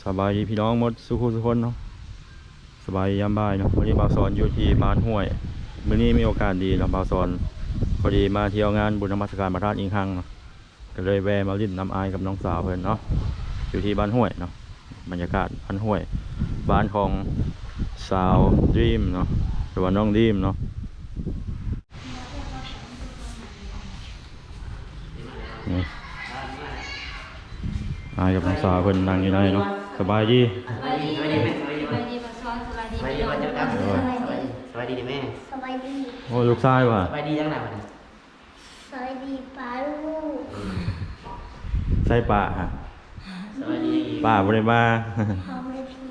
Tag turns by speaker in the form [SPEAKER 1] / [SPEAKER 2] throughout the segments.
[SPEAKER 1] สบายดีพี่น้องหมดสุขุสุคนเนาะสบายยามบ่ายเนาะวันนี้บ่าวสอนอยู่ที่บ้านห้วยมื้อนี้มีโอกาสดีเนาะบ่าวสอนพอดีมาเที่ยวงานบุญนมัสการพระธาตุอิงคังเนาะก็เลยแวะมาลิ้นน้ำอายกับน้องสาวเพิ่นเนาะอยู่ที่บ้านห้วยเนาะบรรยากาศบ้านห้วยบ้านของสาวดีมเนาะหรือว่าน้องดีมเนาะนี่อายกับน้องสาวเพิ่นนั่งอยู่ในเนาะสบายดี
[SPEAKER 2] สวัสดีแม่สวัสดีมาซ้อนสวัสดีพี่น้องสวัสดีแม่
[SPEAKER 3] สบายดี
[SPEAKER 1] โอ้ลูกชายว่ะ
[SPEAKER 2] สวัสดีจังไหนวะ
[SPEAKER 3] สบายดีป้าลูก
[SPEAKER 1] ใส่ป่าฮะ
[SPEAKER 2] สวัสดี
[SPEAKER 1] ป่าบ่ได้มา
[SPEAKER 3] พร้อมเลยพี่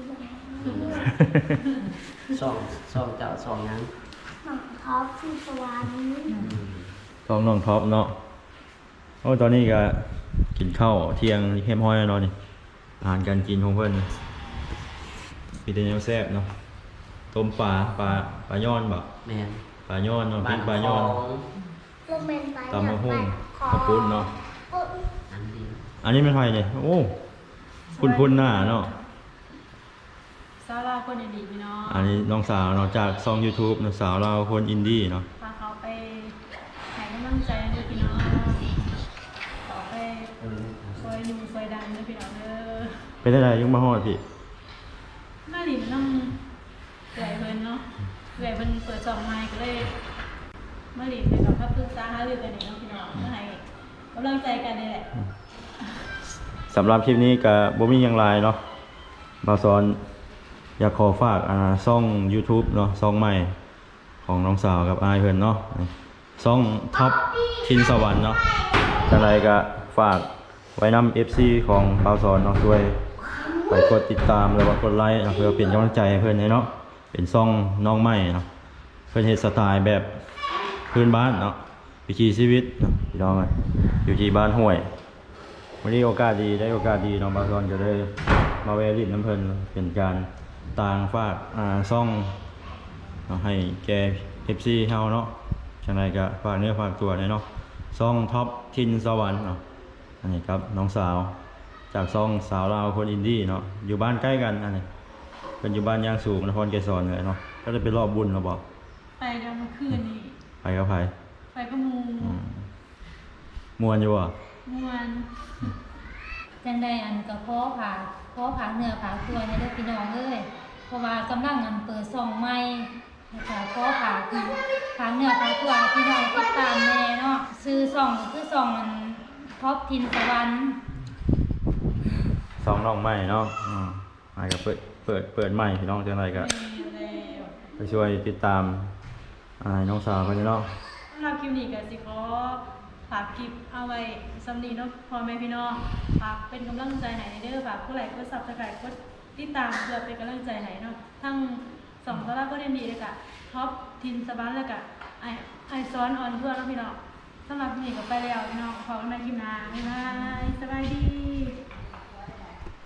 [SPEAKER 2] สองเจ้าสองนั้น
[SPEAKER 3] หมักท็อปที่สวรรค์
[SPEAKER 1] ท้องน้องท็อปเนาะโอ้ตอนนี้ก็กินข้าวเที่ยงเข้มห้อยแล้วเนาะนี่อาหารการกินของเพิ่นมีแต่แนวแซ่บเนาะต้มปลาย้อนบ่
[SPEAKER 2] แม่น
[SPEAKER 1] ปลาย้อนเนาะพริกปลาย้อน
[SPEAKER 3] โรแมนไป
[SPEAKER 1] ตำมะฮุ่งข้าวปุ้นเนาะ
[SPEAKER 2] อันดี
[SPEAKER 1] อันนี้เป็นไผเนี่ยโอ้พุ่นหน้าเนาะ
[SPEAKER 4] สาวลาวคนดีพี่น้อง
[SPEAKER 1] อันนี้น้องสาวเนาะจากช่อง YouTube เนาะสาวเราวคนอินดี้เนาะ
[SPEAKER 4] พาเขาไปให้กำลังใจด้วยพี่น้องต่อไปซอยหนูซอยดันด้วยพี่น้องเด้อ
[SPEAKER 1] เป็นอะไรยังมาฮอดพี่
[SPEAKER 4] มาหลินน้องใหญ่เพิ่นเนาะใหญ่เพิ่นเปิดสองไม้ก็เลยมาหลินไปกับพับปรึกษาหารือกันนี่เนาะพี่น้องมาให้กำลังใจกันนี่แหละ
[SPEAKER 1] สำหรับคลิปนี้ก็บ่มีหยังหลายเนาะมาสอนอยากขอฝากช่อง YouTube เนาะช่องใหม่ของน้องสาวกับอายเพิ่นเนาะช่องท็อปทินสวรรค์เนาะจังไดก็ฝากไว้นำ FC ของบ่าวสอนเนาะช่วยไปกดติดตามแล้วก็กดไลค์เพื่อเป็นกำลังใจให้เพิ่นเนาะเป็นช่องน้องใหม่เนาะเพิ่นเฮ็ดสไตล์แบบพื้นบ้านเนาะวิถีชีวิตเนาะพี่น้องอยู่ที่บ้านห้วยวันนี้โอกาสดีได้โอกาสดีน้องบ่าวสอนจะได้มาแวะลิ้นน้ำเพิ่นเป็นการต่างฝากช่องเนาะให้แก FC เฮาเนาะจังไดก็ฝากเนื้อฝากตัวเนาะช่องท็อปทินสวรรค์เนาะอันนี้ครับน้องสาวจากช่องสาวลาวคนอินดี้เนาะอยู่บ้านใกล้กันอันนี้เป็นอยู่บ้านยางสูงนครเกษรเลยเนาะก็จะไปรอบบุญเราบอก
[SPEAKER 4] ไปกันเมื่อคืนนี่
[SPEAKER 1] ไปกับไผ
[SPEAKER 4] ไปก็มู
[SPEAKER 1] มวนอยู่บ่
[SPEAKER 4] ม่วน
[SPEAKER 5] จังได้อันก็พ่อผาเนื้อผาตัวให้ได้พี่น้องเอ้ยเพราะว่ากำลังอันเปิดซองใหม่นะคะพ่อผาเนื้อผาตัวพี่น้องติดตามแน่เนาะซื้อซองคือซองมันท็อปทินสวรรค์
[SPEAKER 1] สองน้องใหม่เนาะมาก็เปิดใหม่พี่น้องจังไดก็
[SPEAKER 4] มีแล้ว
[SPEAKER 1] ไปช่วยติดตามน้องสาวกันเนาะ
[SPEAKER 4] สำหรับคลิปนี้ก็สิขอฝากคลิปเอาไว้สำนีเนาะพ่อแม่พี่น้องฝากเป็นกำลังใจให้เด้อฝากกดไลค์กด Subscribe กดติดตามเพื่อเป็นกำลังใจให้เนาะทั้งสองตลาดก็เด่นดีเลยกะท็อปทินสบันแล้วกะไอซ้อนออนเพื่อนเนาะพี่น้องสำหรับคลิปนี้ก็ไปแล้วพี่น้องขอกันใหม่คลิปหน้าบ๊ายบายสบายดี